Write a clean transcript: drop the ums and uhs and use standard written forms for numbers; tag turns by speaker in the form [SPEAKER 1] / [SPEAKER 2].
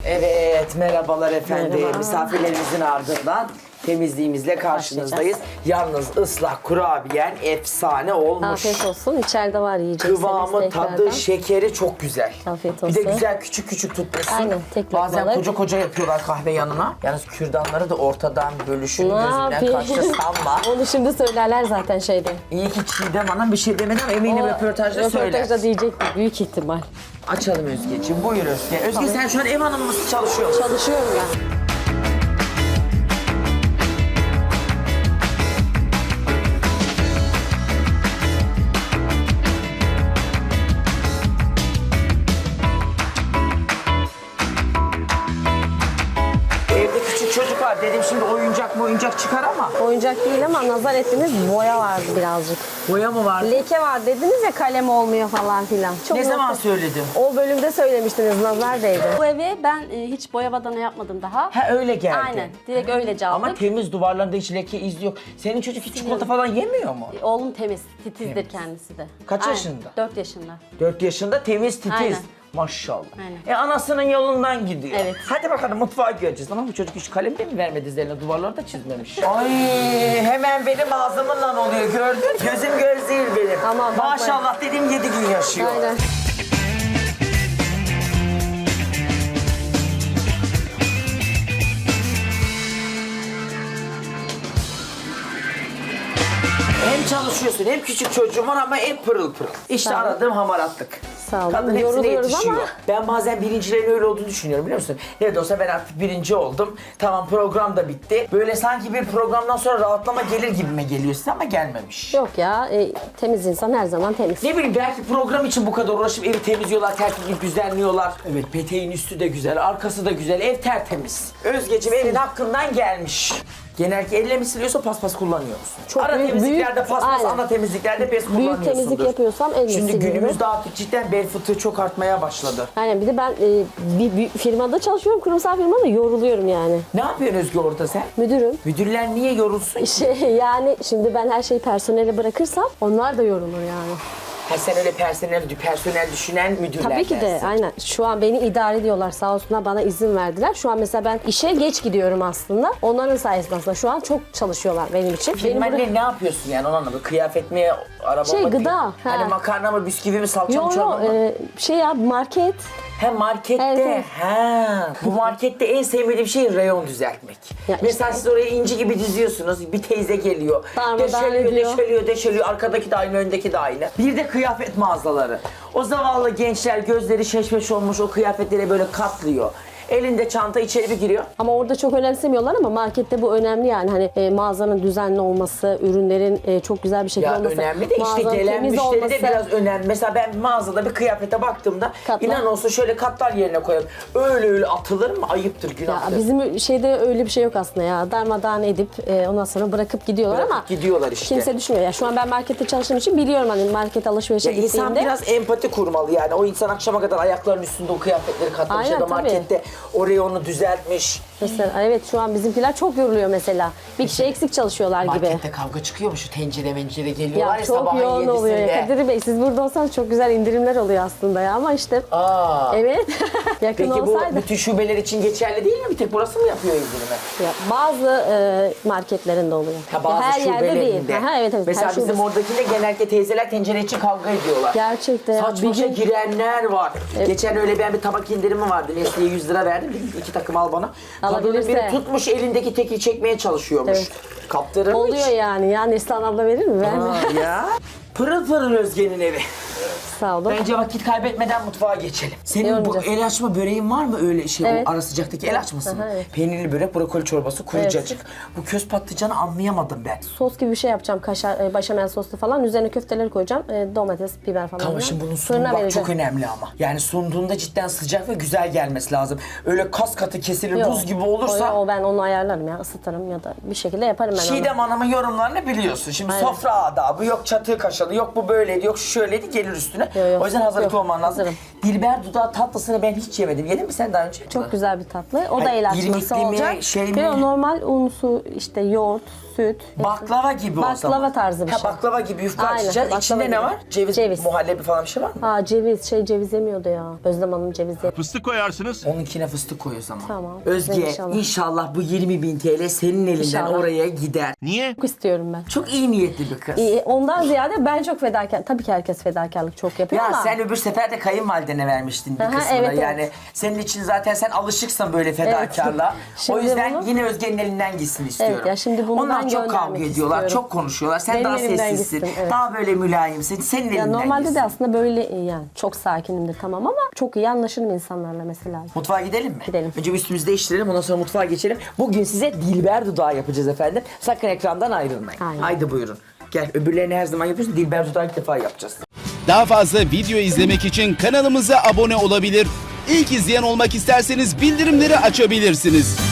[SPEAKER 1] Evet, merhabalar efendim.
[SPEAKER 2] Merhaba.
[SPEAKER 1] Misafirlerimizin ardından temizliğimizle karşınızdayız. Yalnız ıslak kurabiyen efsane olmuş.
[SPEAKER 2] Afiyet olsun. İçeride var yiyeceksiniz
[SPEAKER 1] Kıvamı,
[SPEAKER 2] tekrardan.
[SPEAKER 1] tadı, şekeri çok güzel.
[SPEAKER 2] Afiyet
[SPEAKER 1] Bir de
[SPEAKER 2] olsun.
[SPEAKER 1] güzel küçük küçük tutmuşsun.
[SPEAKER 2] Aynen, tek
[SPEAKER 1] Bazen
[SPEAKER 2] lokmalık.
[SPEAKER 1] koca koca yapıyorlar kahve yanına. Yalnız kürdanları da ortadan bölüşün
[SPEAKER 2] Ne
[SPEAKER 1] gözünden
[SPEAKER 2] yapayım?
[SPEAKER 1] kaçtı sanma.
[SPEAKER 2] Onu şimdi söylerler zaten şeyde.
[SPEAKER 1] İyi ki Çiğdem Hanım bir şey demedi ama eminim röportajda söyler.
[SPEAKER 2] Röportajda diyecekti büyük ihtimal.
[SPEAKER 1] Açalım Özgeciğim. Buyur Özge. Özge sen şu an ev hanımı mısın, çalışıyor musun?
[SPEAKER 2] Çalışıyorum ya.
[SPEAKER 1] Evde küçük çocuk var. Dedim şimdi oyuncak çıkar ama.
[SPEAKER 2] Oyuncak değil ama nazar ettiniz boya vardı birazcık.
[SPEAKER 1] Boya mı var?
[SPEAKER 2] Leke var dediniz ya kalem olmuyor falan filan. Çok
[SPEAKER 1] Ne zaman
[SPEAKER 2] nazar-
[SPEAKER 1] söyledim?
[SPEAKER 2] O bölümde söylemiştiniz nazar değdi.
[SPEAKER 3] Bu evi ben hiç boya badana yapmadım daha.
[SPEAKER 1] Ha öyle geldi.
[SPEAKER 3] Aynen. Direkt öylece aldık.
[SPEAKER 1] Ama temiz, duvarlarında hiç leke, iz yok. Senin çocuk hiç çikolata falan yemiyor mu?
[SPEAKER 3] Oğlum temiz, titizdir kendisi de.
[SPEAKER 1] Kaç
[SPEAKER 3] Aynen,
[SPEAKER 1] yaşında?
[SPEAKER 3] 4 yaşında.
[SPEAKER 1] 4 yaşında temiz, titiz.
[SPEAKER 3] Aynen.
[SPEAKER 1] Maşallah.
[SPEAKER 3] Aynen.
[SPEAKER 1] Anasının yolundan gidiyor.
[SPEAKER 3] Evet.
[SPEAKER 1] Hadi bakalım mutfağa göreceğiz. Ama bu çocuk hiç kalem de mi vermedi üzerine? Duvarları da çizmemiş. Ay hemen benim ağzımla oluyor gördün. Gözüm göz değil benim.
[SPEAKER 2] Aman bakma.
[SPEAKER 1] Maşallah dedim 7 gün yaşıyor.
[SPEAKER 2] Aynen.
[SPEAKER 1] Hem çalışıyorsun hem küçük çocuğum var ama hep pırıl pırıl. İşte
[SPEAKER 2] Sağ ol.
[SPEAKER 1] aradığım hamaratlık.
[SPEAKER 2] Sağ olun.
[SPEAKER 1] Kadın hepsine
[SPEAKER 2] Yoruluyoruz
[SPEAKER 1] yetişiyor.
[SPEAKER 2] ama-
[SPEAKER 1] Ben bazen birincilerin öyle olduğunu düşünüyorum biliyor musun? Ne de olsa ben artık birinci oldum. Tamam program da bitti. Böyle sanki bir programdan sonra rahatlama gelir gibime geliyor size ama gelmemiş.
[SPEAKER 2] Yok ya temiz insan her zaman temiz.
[SPEAKER 1] Ne bileyim belki program için bu kadar uğraşıp evi temizliyorlar, tertipli düzenliyorlar. Evet peteğin üstü de güzel, arkası da güzel, ev tertemiz. Özgeciğim evin hakkından gelmiş. Genellikle elle mi siliyorsa paspas kullanıyor musun?
[SPEAKER 2] Çok
[SPEAKER 1] Ara
[SPEAKER 2] büyük-
[SPEAKER 1] temizliklerde
[SPEAKER 2] büyük-
[SPEAKER 1] paspas,
[SPEAKER 2] aynen.
[SPEAKER 1] ana temizliklerde pes kullanıyorsundur.
[SPEAKER 2] Büyük temizlik yapıyorsam elle
[SPEAKER 1] Şimdi
[SPEAKER 2] siliyorum.
[SPEAKER 1] günümüzde artık cidden bel fıtığı çok artmaya başladı.
[SPEAKER 2] Aynen bir de ben bir firmada çalışıyorum, kurumsal firmada yoruluyorum yani.
[SPEAKER 1] Ne yapıyorsun Özge orada sen?
[SPEAKER 2] Müdürüm.
[SPEAKER 1] Müdürler niye yorulsun?
[SPEAKER 2] Yani şimdi ben her şeyi personele bırakırsam onlar da yorulur yani.
[SPEAKER 1] Ha sen öyle personel düşünen müdürler
[SPEAKER 2] Tabii ki de
[SPEAKER 1] dersin.
[SPEAKER 2] aynen. Şu an beni idare ediyorlar sağ olsunlar bana izin verdiler. Şu an mesela ben işe geç gidiyorum aslında. Onların sayesinde aslında şu an çok çalışıyorlar benim için. Benim burada-
[SPEAKER 1] Firmenle ne yapıyorsun yani onu anlamadım. Kıyafet mi, araba
[SPEAKER 2] Şey,
[SPEAKER 1] mı?
[SPEAKER 2] gıda,
[SPEAKER 1] Hani
[SPEAKER 2] ha.
[SPEAKER 1] makarna mı, bisküvi mi, salça mı,
[SPEAKER 2] Yo
[SPEAKER 1] çorba
[SPEAKER 2] yo
[SPEAKER 1] mı?
[SPEAKER 2] şey ya market.
[SPEAKER 1] He markette.
[SPEAKER 2] Evet, evet.
[SPEAKER 1] Ha. Bu markette en sevmediğim şey reyon düzeltmek.
[SPEAKER 2] Ya
[SPEAKER 1] Mesela
[SPEAKER 2] işte.
[SPEAKER 1] siz oraya inci gibi diziyorsunuz. Bir teyze geliyor.
[SPEAKER 2] Darmadağın
[SPEAKER 1] Deşeliyor,
[SPEAKER 2] ediyor.
[SPEAKER 1] deşeliyor. Arkadaki de aynı, öndeki de aynı. Bir de kıyafet mağazaları. O zavallı gençler gözleri şeşmeş olmuş o kıyafetleri böyle katlıyor. Elinde çanta içeri bir giriyor.
[SPEAKER 2] Ama orada çok önemsemiyorlar ama markette bu önemli yani hani mağazanın düzenli olması, ürünlerin çok güzel bir şekilde
[SPEAKER 1] Ya
[SPEAKER 2] olması.
[SPEAKER 1] önemli de işte
[SPEAKER 2] mağazanın
[SPEAKER 1] gelen
[SPEAKER 2] temiz
[SPEAKER 1] müşteri de
[SPEAKER 2] olması.
[SPEAKER 1] biraz önemli. Mesela ben mağazada bir kıyafete baktığımda
[SPEAKER 2] Katlar.
[SPEAKER 1] inan olsun şöyle katlar yerine koyalım. Öyle atılır mı? Ayıptır,
[SPEAKER 2] Ya
[SPEAKER 1] günahtır.
[SPEAKER 2] bizim şeyde öyle bir şey yok aslında ya. Darmadağın edip ondan sonra bırakıp gidiyorlar
[SPEAKER 1] Bırakıp
[SPEAKER 2] ama
[SPEAKER 1] gidiyorlar işte.
[SPEAKER 2] kimse düşünmüyor. Ya şu an ben markette çalıştığım için biliyorum hani market alışverişe
[SPEAKER 1] Ya insan
[SPEAKER 2] gittiğimde.
[SPEAKER 1] biraz empati kurmalı yani. O insan akşama kadar ayaklarının üstünde o kıyafetleri katlamış
[SPEAKER 2] Aynen,
[SPEAKER 1] ya da
[SPEAKER 2] tabii.
[SPEAKER 1] markette oraya onu düzeltmiş.
[SPEAKER 2] Mesela evet şu an bizimkiler çok yoruluyor mesela. Bir kişi eksik çalışıyorlar gibi.
[SPEAKER 1] Markette kavga çıkıyor mu? Şu tencere geliyorlar
[SPEAKER 2] Ya
[SPEAKER 1] ya
[SPEAKER 2] çok
[SPEAKER 1] sabahın
[SPEAKER 2] yoğun oluyor ya.
[SPEAKER 1] yedisinde.
[SPEAKER 2] Kadir Bey siz burada olsanız çok güzel indirimler oluyor aslında ya ama işte
[SPEAKER 1] Aa.
[SPEAKER 2] evet yakın
[SPEAKER 1] Peki bu
[SPEAKER 2] olsaydı.
[SPEAKER 1] bütün şubeler için geçerli değil mi? Bir tek burası mı yapıyor indirimi?
[SPEAKER 2] Ya, bazı marketlerinde oluyor.
[SPEAKER 1] Ha, bazı
[SPEAKER 2] Ya, her yerde değil.
[SPEAKER 1] şubelerinde.
[SPEAKER 2] Aha, evet evet.
[SPEAKER 1] Mesela
[SPEAKER 2] her
[SPEAKER 1] bizim
[SPEAKER 2] şubesi.
[SPEAKER 1] oradakinde genellikle teyzeler tencere için kavga ediyorlar.
[SPEAKER 2] Gerçekten ya,
[SPEAKER 1] Saçma
[SPEAKER 2] bir
[SPEAKER 1] şey
[SPEAKER 2] gün-
[SPEAKER 1] girenler var. Geçen öyle ben bir tabak indirimi vardı. Nesli'ye 100 lira verdim. Dedim 2 takım al bana. Kadının
[SPEAKER 2] Alabilirse.
[SPEAKER 1] biri tutmuş elindeki teki çekmeye çalışıyormuş.
[SPEAKER 2] Evet.
[SPEAKER 1] Kaptırır mı
[SPEAKER 2] Oluyor
[SPEAKER 1] hiç?
[SPEAKER 2] yani. Ya Neslihan abla verir mi? Vermiyor.
[SPEAKER 1] Aa, ya. Pırıl pırıl Özge'nin evi.
[SPEAKER 2] Sağ olun.
[SPEAKER 1] Bence vakit kaybetmeden mutfağa geçelim. Senin bu
[SPEAKER 2] Yormayacağız.
[SPEAKER 1] el açma böreğin var mı öyle şey?
[SPEAKER 2] Evet.
[SPEAKER 1] O ara sıcaktaki el açması mı?
[SPEAKER 2] Aha, evet.
[SPEAKER 1] Peynirli börek, brokoli çorbası, kuru cacık. Bu köz patlıcanı anlayamadım ben.
[SPEAKER 2] Sos gibi bir şey yapacağım. Kaşar, başamel soslu falan. Üzerine köfteleri koyacağım. Domates, biber falan.
[SPEAKER 1] Tamam şimdi bunun sunumu
[SPEAKER 2] Fırına
[SPEAKER 1] bak
[SPEAKER 2] vereceğim.
[SPEAKER 1] çok önemli ama. Yani sunduğunda cidden sıcak ve güzel gelmesi lazım. Öyle kas katı kesilir
[SPEAKER 2] Yok.
[SPEAKER 1] buz gibi olursa...
[SPEAKER 2] O ben onu ayarlarım ya. Isıtırım ya da bir şekilde yaparım ben onu.
[SPEAKER 1] Çiğdem Hanım'ın yorumlarını biliyorsun. Şimdi
[SPEAKER 2] Aynen.
[SPEAKER 1] sofra adabı, yok çatı kaşalı, yok bu böyleydi, yok şu şöyleydi gelir üstüne.
[SPEAKER 2] Yo.
[SPEAKER 1] O yüzden hazırlıklı
[SPEAKER 2] Yok,
[SPEAKER 1] olman lazım.
[SPEAKER 2] hazırım.
[SPEAKER 1] Dilber dudağı tatlısını ben hiç yemedim. Yedin mi sen daha önce?
[SPEAKER 2] Çok güzel bir tatlı. O da
[SPEAKER 1] Hayır,
[SPEAKER 2] el açması
[SPEAKER 1] irmikli mi,
[SPEAKER 2] olacak.
[SPEAKER 1] şey mi?
[SPEAKER 2] Ve o normal un, su, işte yoğurt, süt.
[SPEAKER 1] Baklava gibi o zaman.
[SPEAKER 2] Baklava tarzı bir şey.
[SPEAKER 1] Baklava gibi yufka
[SPEAKER 2] Aynen,
[SPEAKER 1] açacağız.
[SPEAKER 2] baklava
[SPEAKER 1] İçinde
[SPEAKER 2] gibi.
[SPEAKER 1] ne var? Ceviz, muhallebi falan bir şey var mı?
[SPEAKER 2] Aa ceviz yemiyordu ya. Özlem Hanım ceviz yemiyor.
[SPEAKER 4] Fıstık koyarsınız.
[SPEAKER 1] Onunkine fıstık koy o zaman.
[SPEAKER 2] Tamam.
[SPEAKER 1] Özge
[SPEAKER 2] İnşallah.
[SPEAKER 1] inşallah bu 20.000 TL senin elinden
[SPEAKER 2] İnşallah.
[SPEAKER 1] oraya gider.
[SPEAKER 4] Niye?
[SPEAKER 2] Çok istiyorum ben.
[SPEAKER 1] Çok iyi niyetli bir kız.
[SPEAKER 2] Ondan ziyade ben çok fedakar. Tabii ki herkes fedakarlık çok yapıyor
[SPEAKER 1] Ya
[SPEAKER 2] ama.
[SPEAKER 1] sen öbür sefer de kayınvalidene vermiştin bir
[SPEAKER 2] Aha,
[SPEAKER 1] kısmını.
[SPEAKER 2] evet,
[SPEAKER 1] Yani
[SPEAKER 2] evet.
[SPEAKER 1] senin için zaten sen alışıksın böyle fedakarlığa.
[SPEAKER 2] Şimdi
[SPEAKER 1] O yüzden
[SPEAKER 2] bunu-
[SPEAKER 1] yine Özge'nin elinden gitsin istiyorum.
[SPEAKER 2] Evet ya, şimdi bunu
[SPEAKER 1] Onlar
[SPEAKER 2] ben
[SPEAKER 1] çok kavga
[SPEAKER 2] göndermek
[SPEAKER 1] ediyorlar,
[SPEAKER 2] istiyorum.
[SPEAKER 1] çok konuşuyorlar. Sen
[SPEAKER 2] Benim
[SPEAKER 1] daha
[SPEAKER 2] elimden
[SPEAKER 1] sessizsin,
[SPEAKER 2] gitsin, evet.
[SPEAKER 1] daha böyle mülayimsin. Senin
[SPEAKER 2] Ya
[SPEAKER 1] elinden
[SPEAKER 2] normalde
[SPEAKER 1] gitsin.
[SPEAKER 2] de aslında böyle yani çok sakinimdir tamam ama çok iyi anlaşırım insanlarla mesela.
[SPEAKER 1] Mutfağa gidelim mi?
[SPEAKER 2] Gidelim.
[SPEAKER 1] Önce bir üstümüzü değiştirelim, ondan sonra mutfağa geçelim. Bugün size Dilber dudağı yapacağız efendim. Sakın ekrandan ayrılmayın.
[SPEAKER 2] Aynen.
[SPEAKER 1] Haydi buyurun. Gel, öbürlerini her zaman yapıyorsun. Dilber dudağı ilk defa yapacağız.
[SPEAKER 5] Daha fazla video izlemek için kanalımıza abone olabilir. İlk izleyen olmak isterseniz bildirimleri açabilirsiniz.